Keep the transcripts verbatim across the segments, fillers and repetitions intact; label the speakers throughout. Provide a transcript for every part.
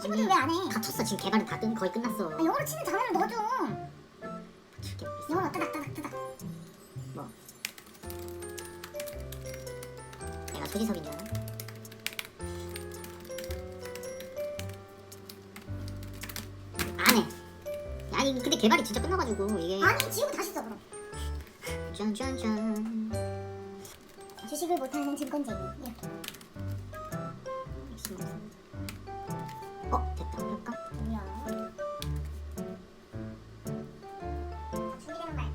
Speaker 1: 친구들 왜 안 해?
Speaker 2: 다 쳤어. 지금 개발은 다 끝, 거의 끝났어.
Speaker 1: 아, 영어로 치는 단어를 넣어줘.
Speaker 2: 죽게 있어.
Speaker 1: 영어로 따닥 따닥 따닥.
Speaker 2: 뭐? 내가 조지석인 줄 알아? 안 해. 아니 근데 개발이 진짜 끝나가지고 이게
Speaker 1: 아니 지우고 다시 써 그럼.
Speaker 2: 짠짠짠.
Speaker 1: 주식을 못하는 증권쟁이 이렇게.
Speaker 2: 어 됐다. 그럴까?
Speaker 1: 뭐야? 준비되는 말.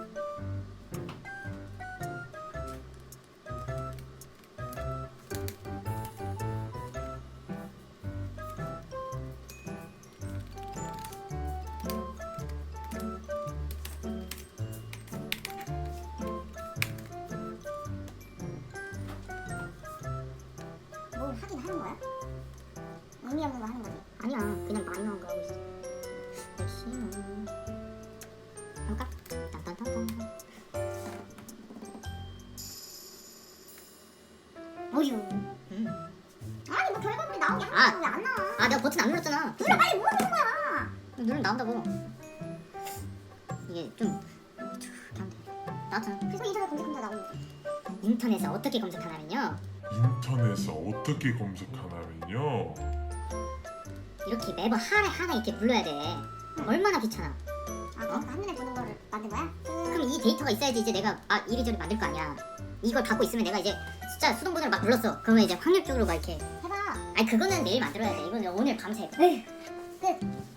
Speaker 1: 뭘 하긴 하는 거야? 의미 없는 거 하는 거지.
Speaker 2: 아니야 그냥 많이 나온 거 하고 있어. 열심히 해볼까? 딴딴딴딴.
Speaker 1: 어휴.
Speaker 2: 음.
Speaker 1: 아니 뭐 결과물이 나오게
Speaker 2: 아.
Speaker 1: 하는 거왜안 나와?
Speaker 2: 아 내가 버튼 안 눌렀잖아.
Speaker 1: 눌러 빨리 뭐가 되는 거야?
Speaker 2: 누르면 나온다고. 이게 좀 이렇게 하면 돼. 나왔잖아.
Speaker 1: 그래서 인터넷 검색하면 다 나오는데.
Speaker 2: 인터넷에 어떻게 검색하냐면요,
Speaker 3: 인터넷에 어떻게 검색하냐면요.
Speaker 2: 이렇게 매번 하나 하나 이렇게 불러야 돼. 얼마나 귀찮아.
Speaker 1: 아 그러니까 한눈에 보는 거를 만든 거야?
Speaker 2: 그럼 이 데이터가 있어야지 이제 내가 아 이리저리 만들 거 아니야. 이걸 갖고 있으면 내가 이제 숫자 수동번호를 막 불렀어. 그러면 이제 확률적으로 막 이렇게.
Speaker 1: 해봐.
Speaker 2: 아니 그거는 내일 만들어야 돼. 이거는 오늘 밤새.
Speaker 1: 에휴. 끝.